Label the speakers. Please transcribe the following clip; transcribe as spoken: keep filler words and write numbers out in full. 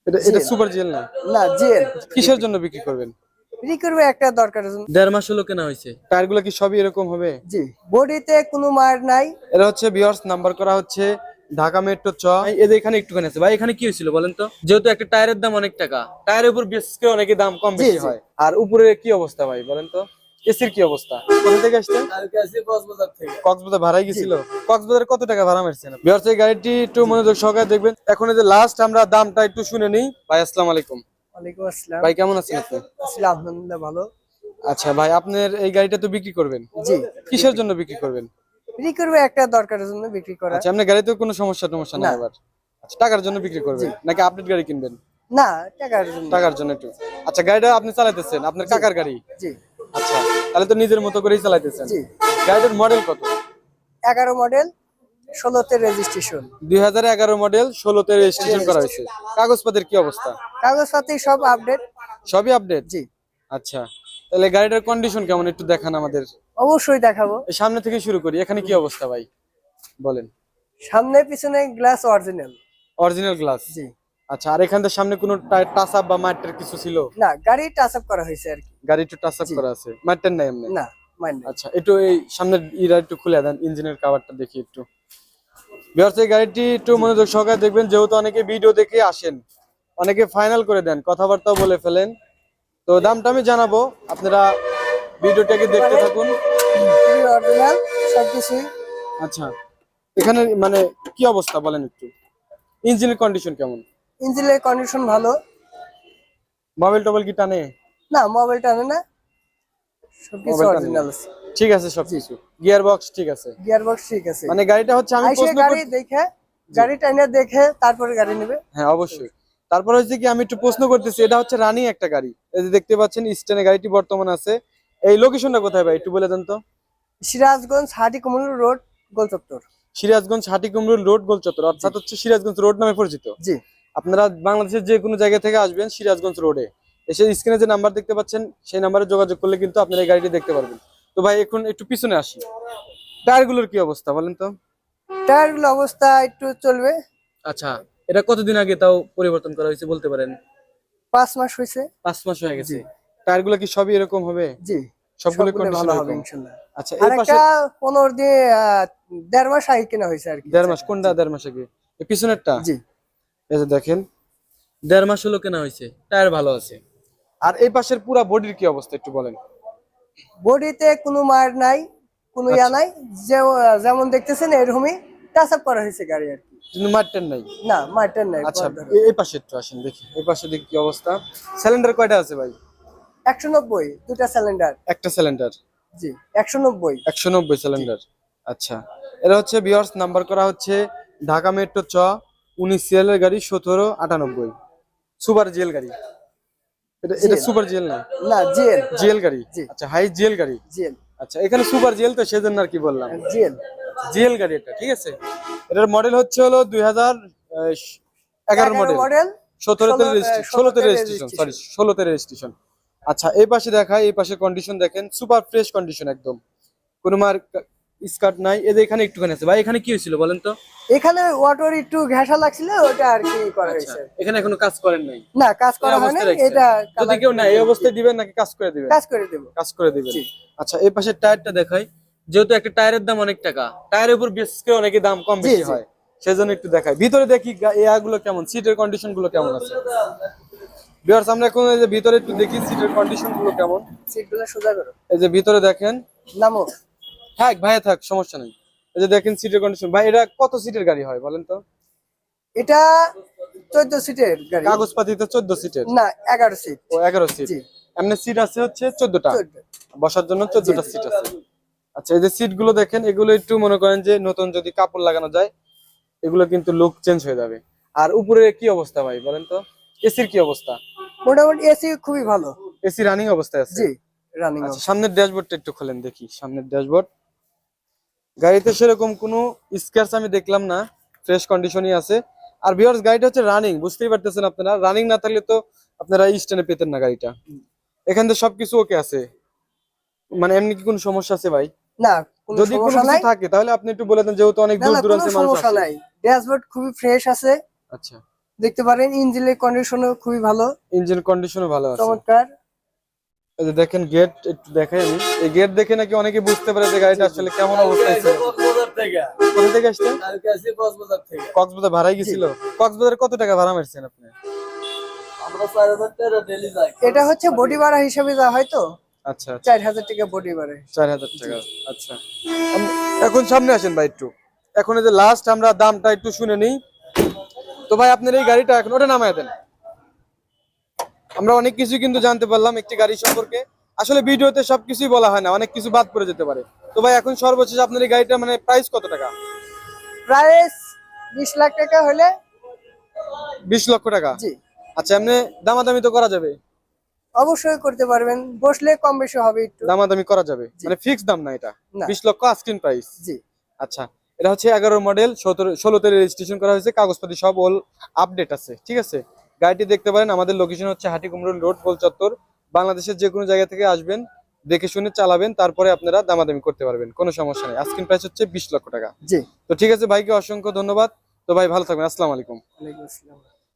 Speaker 1: এটা এটা super gel না?
Speaker 2: না, জেল।
Speaker 1: কিসের জন্য বিক্রি করবেন?
Speaker 2: বিক্রি করবে একটা দরকারের জন্য।
Speaker 1: দেড় মাস হলো কেনা হয়েছে। টায়ারগুলো কি সবই এরকম হবে?
Speaker 2: জি, বডিতে কোনো মার নাই।
Speaker 1: এটা হচ্ছে ভিউয়ার্স, নাম্বার করা হচ্ছে ঢাকা মেট্রো চ। এদের এখানে একটুখানি আছে ভাই, এখানে কি হয়েছিল বলেন তো? যেহেতু একটা টায়ারের দাম অনেক টাকা, টায়ারের উপর বিশেষ করে অনেকে দাম কম বেশি হয়, আর উপরে কি অবস্থা ভাই বলেন তো? এসির কি অবস্থা? কোথা থেকে আসছেন?
Speaker 3: কালকে আসি কক্সবাজার থেকে।
Speaker 1: কক্সবাজার ভাড়াই গেছিল? কক্সবাজারে কত টাকা ভাড়া মারছেন? ভিউয়ার্স, এই গাড়িটি একটু মনোযোগ সহকারে দেখবেন। এখন এই যে লাস্ট আমরা দামটা একটু শুনে নিই। ভাই আসসালামু আলাইকুম।
Speaker 2: ওয়ালাইকুম আসসালাম।
Speaker 1: ভাই কেমন আছেন আপনি?
Speaker 2: আসলে আলহামদুলিল্লাহ ভালো।
Speaker 1: আচ্ছা ভাই, আপনার এই গাড়িটা তো বিক্রি করবেন?
Speaker 2: জি।
Speaker 1: কিসের জন্য বিক্রি করবেন?
Speaker 2: বিক্রি করবে একটা দরকারের জন্য বিক্রি করা।
Speaker 1: আচ্ছা, আপনার গাড়িতে কোনো সমস্যা টমস্যা নাই
Speaker 2: না।
Speaker 1: আবার? আচ্ছা, টাকার জন্য বিক্রি করবেন নাকি আপডেট গাড়ি কিনবেন?
Speaker 2: না, টাকার জন্য।
Speaker 1: টাকার জন্য একটু। আচ্ছা, গাড়িটা আপনি চালাইতেছেন, আপনার কাকার গাড়ি?
Speaker 2: জি।
Speaker 1: আচ্ছা, তাহলে তো নিজের মতো করেই চালাইতেছেন।
Speaker 2: জি।
Speaker 1: গাড়িটার মডেল কত?
Speaker 2: এগারো মডেল, ষোলোতে রেজিস্ট্রেশন।
Speaker 1: দুই হাজার এগারো মডেল, ষোলোতে রেজিস্ট্রেশন করা হয়েছে। কাগজপত্রের কি অবস্থা?
Speaker 2: কাগজপাতি সব আপডেট।
Speaker 1: সবই আপডেট?
Speaker 2: জি।
Speaker 1: আচ্ছা, তাহলে গাড়িটার কন্ডিশন কেমন একটু দেখান আমাদের।
Speaker 2: অবশ্যই দেখাবো।
Speaker 1: এই সামনে থেকে শুরু করি, এখানে কি অবস্থা ভাই বলেন?
Speaker 2: সামনে পিছনে গ্লাস অরিজিনাল।
Speaker 1: Original glass?
Speaker 2: জি।
Speaker 1: আচ্ছা, আর এখান থেকে সামনে কোনো টাচ আপ বা মাইটার কিছু ছিল?
Speaker 2: না, গাড়ি টাচ আপ করা হয়েছে আর কি।
Speaker 1: গাড়ি একটু টাচ আপ
Speaker 2: জি।
Speaker 1: করা আছে, মাইটার নাই এমনি?
Speaker 2: না, মাইন্ড।
Speaker 1: আচ্ছা, একটু এই সামনের ইরা একটু খুলে দেন, ইঞ্জিনের কভারটা দেখি একটু। ভিউয়ার্স, এই গাড়িটি একটু মনোযোগ সহকারে দেখবেন, যেহেতু অনেকে ভিডিও দেখে আসেন, অনেকে ফাইনাল করে দেন, কথাবার্তাও বলে ফেলেন। তো দামটা আমি জানাবো, আপনারা ভিডিওটাকে দেখতে থাকুন।
Speaker 2: অরিজিনাল সবকিছু।
Speaker 1: আচ্ছা, এখানে মানে কি অবস্থা বলেন একটু? ইঞ্জিনের কন্ডিশন কেমন?
Speaker 2: ইঞ্জিনের কন্ডিশন ভালো।
Speaker 1: মোবাইল টোবাইল কি টানে?
Speaker 2: না, মোবাইল টানে না, সবকিছু
Speaker 1: মোবাইল টানে না?
Speaker 2: অরিজিনাল আছে।
Speaker 1: ঠিক আছে সবকিছু। গিয়ার বক্স ঠিক আছে?
Speaker 2: গিয়ার বক্স ঠিক আছে।
Speaker 1: মানে গাড়িটা হচ্ছে আমি
Speaker 2: আইসে
Speaker 1: প্রশ্ন
Speaker 2: গাড়ি
Speaker 1: করতে-
Speaker 2: দেখে, গাড়ি টাইনে দেখে তারপরে গাড়ি নেবে।
Speaker 1: হ্যাঁ অবশ্যই। তারপর হচ্ছে কি, আমি একটু প্রশ্ন করতেছি, এটা হচ্ছে রানিং একটা গাড়ি, এই যে দেখতে পাচ্ছেন স্ট্যান্ডে গাড়িটি বর্তমান আছে। এই লোকেশনটা কোথায় ভাই একটু বলে দেন তো?
Speaker 2: সিরাজগঞ্জ হাটিকুমরুল রোড, গোলচত্বর।
Speaker 1: সিরাজগঞ্জ হাটিকুমরুল রোড, গোলচত্বর, অর্থাৎ হচ্ছে সিরাজগঞ্জ রোড নামে পরিচিত।
Speaker 2: জি।
Speaker 1: আপনারা বাংলাদেশের যে কোনো জায়গা থেকে আসবেন সিরাজগঞ্জ রোডে এসে স্ক্রিনে যে নাম্বার দেখতে পাচ্ছেন সেই নাম্বারে যোগাযোগ করলে কিন্তু আপনারা এই গাড়িটি দেখতে পারবেন। তো ভাই এখন একটু পিছনে আসি, টায়ারগুলোর কি অবস্থা বলেন তো?
Speaker 2: টায়ারগুলো অবস্থা একটু চলবে।
Speaker 1: আচ্ছা, এটা কতদিন আগে তাও পরিবর্তন করা হয়েছে বলতে পারেন?
Speaker 2: পাঁচ মাস হয়েছে।
Speaker 1: পাঁচ মাস হয়ে গেছে। টায়ারগুলো কি সবই এরকম হবে?
Speaker 2: জি।
Speaker 1: সবগুলো
Speaker 2: সবগুলো
Speaker 1: কন্ডিশন
Speaker 2: ভালো হবে
Speaker 1: এরকম?
Speaker 2: ইনশাআল্লাহ।
Speaker 1: আচ্ছা,
Speaker 2: আর
Speaker 1: এই পাশে
Speaker 2: একটা পনেরো দিয়ে আহ, দেড় মাস আগে কেনা হয়েছে আর কি।
Speaker 1: দেড় মাস? কোনটা দেড় মাস আগে? এই পিছনেরটা?
Speaker 2: জি।
Speaker 1: এই যে দেখেন, দেড় মাস হলো কেনা হয়েছে, টায়ার ভালো আছে। আর এই পাশের পুরা বডির কি অবস্থা একটু বলেন?
Speaker 2: বডিতে কোনো মার নাই, কোনো ইয়া নাই, যে- যেমন দেখতেছেন এরকমই টাচ আপ করা হয়েছে গাড়ি আর কি।
Speaker 1: কিন্তু মারটেন নাই?
Speaker 2: না, মারটার নাই।
Speaker 1: আচ্ছা, এ- এই পাশে একটু আসেন দেখি, এই পাশে দেখি কি অবস্থা। সিলিন্ডার কয়টা আছে ভাই?
Speaker 2: একশো নব্বই দুটা সিলিন্ডার।
Speaker 1: একটা সিলিন্ডার?
Speaker 2: জি, একশো নব্বই।
Speaker 1: একশো নব্বই সিলিন্ডার। আচ্ছা, এটা হচ্ছে ভিউয়ার্স, নাম্বার করা হচ্ছে ঢাকা মেট্রো চ, উনিশ সিরিয়ালের গাড়ি, সতেরো আটানব্বই, সুপার জিএল গাড়ি। এটা এটা
Speaker 2: জিএল।
Speaker 1: সুপার জিএল না?
Speaker 2: না, জিএল।
Speaker 1: জিএল গাড়ি?
Speaker 2: জি।
Speaker 1: আচ্ছা, হাই জিএল গাড়ি।
Speaker 2: জিএল।
Speaker 1: আচ্ছা, এখানে সুপার জিএল তো সেজন্য আর কি বললাম।
Speaker 2: জিএল।
Speaker 1: জিএল গাড়ি এটা, ঠিক আছে। এটার মডেল হচ্ছে হলো দুই হাজার এগারো মডেল,
Speaker 2: মডেল,
Speaker 1: সতেরোতে
Speaker 2: ষোলো-
Speaker 1: রেজিস্ট্রেশন,
Speaker 2: ষোলোতে
Speaker 1: ষোলোতে রেজিস্ট্রেশন, সরি ষোলোতে রেজিস্ট্রেশন। আচ্ছা, এই পাশে দেখায়, এই পাশে কন্ডিশন দেখেন, সুপার ফ্রেশ কন্ডিশন একদম, কোনো মার স্কার্ট নাই। এদের এখানে একটুখানি আছে ভাই, এখানে কি হয়েছিল বলেন তো?
Speaker 2: এখানে ওয়াটার একটু ঘেঁষা লাগছিল, ওটা আর কি করা
Speaker 1: আচ্ছা,
Speaker 2: হয়েছে।
Speaker 1: এখানে এখনো কাজ করেন নাই?
Speaker 2: না, কাজ করা
Speaker 1: এই
Speaker 2: হয় না,
Speaker 1: অবস্থায় রাখছেন?
Speaker 2: এটা
Speaker 1: যদি
Speaker 2: কালার
Speaker 1: কেউ না এই অবস্থায় দিবেন নাকি কাজ করে দিবেন?
Speaker 2: কাজ করে দেব।
Speaker 1: কাজ করে দিবেন।
Speaker 2: জি।
Speaker 1: আচ্ছা, এই পাশের টায়ারটা দেখাই, যেহেতু একটা টায়ারের দাম অনেক টাকা, টায়ারের উপর বিশেষ করে অনেকে দাম কম
Speaker 2: জি,
Speaker 1: বেশি
Speaker 2: জি।
Speaker 1: হয়, সেজন্য একটু দেখাই। ভিতরে দেখি এয়াগুলো কেমন, সিটের কন্ডিশন গুলো কেমন আছে। ভিউয়ার্স, আমরা এখন এই যে ভিতরে একটু দেখি সিটের কন্ডিশন গুলো কেমন।
Speaker 2: সিটগুলো সোজা করো।
Speaker 1: এই যে ভিতরে দেখেন,
Speaker 2: নামো।
Speaker 1: থাক ভাই থাক, সমস্যা নেই। এই যে দেখেন সিটের কন্ডিশন। ভাই এটা কত সিটের গাড়ি হয় বলেন তো?
Speaker 2: এটা চোদ্দ সিটের গাড়ি।
Speaker 1: কাগজপাতি তো চোদ্দ সিটের?
Speaker 2: না, এগারো সিট।
Speaker 1: ও এগারো সিট।
Speaker 2: জি।
Speaker 1: এমনি সিট আছে হচ্ছে চোদ্দটা,
Speaker 2: চোদ্দ।
Speaker 1: বসার জন্য চোদ্দটা সিট আছে। আচ্ছা, এই যে সিট গুলো দেখেন, এগুলো একটু মনে করেন যে নতুন যদি কাপড় লাগানো যায়, এগুলো কিন্তু লুক চেঞ্জ হয়ে যাবে। আর উপরে কি অবস্থা ভাই বলেন তো? এসির কি অবস্থা?
Speaker 2: মোটামুটি এসি খুবই ভালো।
Speaker 1: এসি রানিং অবস্থায় আছে?
Speaker 2: জি, রানিং।
Speaker 1: আচ্ছা, সামনের ড্যাশবোর্ডটা একটু খোলেন দেখি, সামনের ড্যাশবোর্ড। গাড়িতে সেরকম কোনো স্ক্র্যাচ আমি দেখলাম না, ফ্রেশ কন্ডিশনই আছে। আর ভিউয়ার্স, গাড়িটা হচ্ছে রানিং, বুঝতেই পারতেছেন আপনারা, রানিং না থাকলে তো আপনারা স্ট্যান্ডে পেতেন না গাড়িটা। এখান থেকে সবকিছু ওকে আছে, মানে এমনি কি কোনো সমস্যা আছে ভাই?
Speaker 2: না, কোনো
Speaker 1: যদি কোনো
Speaker 2: সমস্যা
Speaker 1: কিছু
Speaker 2: নাই।
Speaker 1: থাকে তাহলে আপনি একটু বলে দেন, যেহেতু অনেক
Speaker 2: না,
Speaker 1: দূর
Speaker 2: না, কোনো
Speaker 1: দূরান্তের মানুষ
Speaker 2: সমস্যা
Speaker 1: আসে।
Speaker 2: নাই। ড্যাশবোর্ড খুবই ফ্রেশ আছে।
Speaker 1: আচ্ছা,
Speaker 2: দেখতে পারেন ইঞ্জিনের কন্ডিশনও খুবই ভালো,
Speaker 1: ইঞ্জিন কন্ডিশনও ভালো আছে।
Speaker 2: চমৎকার।
Speaker 1: এই যে দেখেন গেট একটু দেখাই আমি, এই গেট দেখে নাকি অনেকে বুঝতে পারে যে গাড়িটা আসলে কেমন অবস্থায় ছিল। কোথা থেকে আসছেন? কক্সবাজার ভাড়াই গেছিল। কক্সবাজারে কত টাকা ভাড়া মারছেন আপনি?
Speaker 2: এটা হচ্ছে বডি ভাড়া হিসাবে যা হয় তো,
Speaker 1: আচ্ছা আচ্ছা,
Speaker 2: চার হাজার টাকা বডি ভাড়া।
Speaker 1: চার হাজার টাকা। আচ্ছা, আম- এখন সামনে আসেন ভাই একটু। এখন এই যে লাস্ট আমরা দামটা একটু শুনে নিই। তো ভাই আপনার এই গাড়িটা এখন ওটা নামায় দেন। আমরা অনেক কিছু কিন্তু জানতে পারলাম একটি গাড়ি সম্পর্কে। আসলে ভিডিওতে সবকিছুই বলা হয় না, অনেক কিছু বাদ পড়ে যেতে পারে। তো ভাই এখন সর্বশেষ আপনার এই গাড়িটা মানে প্রাইস কত টাকা?
Speaker 2: প্রাইস বিশ লাখ টাকা হলে।
Speaker 1: বিশ লক্ষ টাকা।
Speaker 2: জি,
Speaker 1: আচ্ছা, এমনি দামাদামি তো করা যাবে?
Speaker 2: অবশ্যই করতে পারবেন, বসলে কম বেশি হবে একটু।
Speaker 1: দামাদামি করা যাবে,
Speaker 2: জি।
Speaker 1: মানে ফিক্স দাম না এটা?
Speaker 2: না।
Speaker 1: বিশ লক্ষ আস্কিং প্রাইস।
Speaker 2: জি,
Speaker 1: আচ্ছা, এটা হচ্ছে এগারো মডেল, সতেরো ষোলোতে রেজিস্ট্রেশন করা হয়েছে, কাগজপাতি সব অল আপডেট আছে, ঠিক আছে। গাড়িটি দেখতে পারেন, আমাদের লোকেশন হচ্ছে হাটিকুমরুল রোড, গোল চত্বর। বাংলাদেশের যে কোনো জায়গা থেকে আসবেন, দেখে শুনে চালাবেন, তারপরে আপনারা দামাদামি করতে পারবেন, কোনো সমস্যা নেই। আস্কিং প্রাইস হচ্ছে বিশ লক্ষ টাকা।
Speaker 2: জি।
Speaker 1: তো ঠিক আছে, ভাইকে অসংখ্য ধন্যবাদ। তো ভাই ভালো থাকবেন, আসসালামু আলাইকুম।
Speaker 2: ওয়ালাইকুম আসসালাম।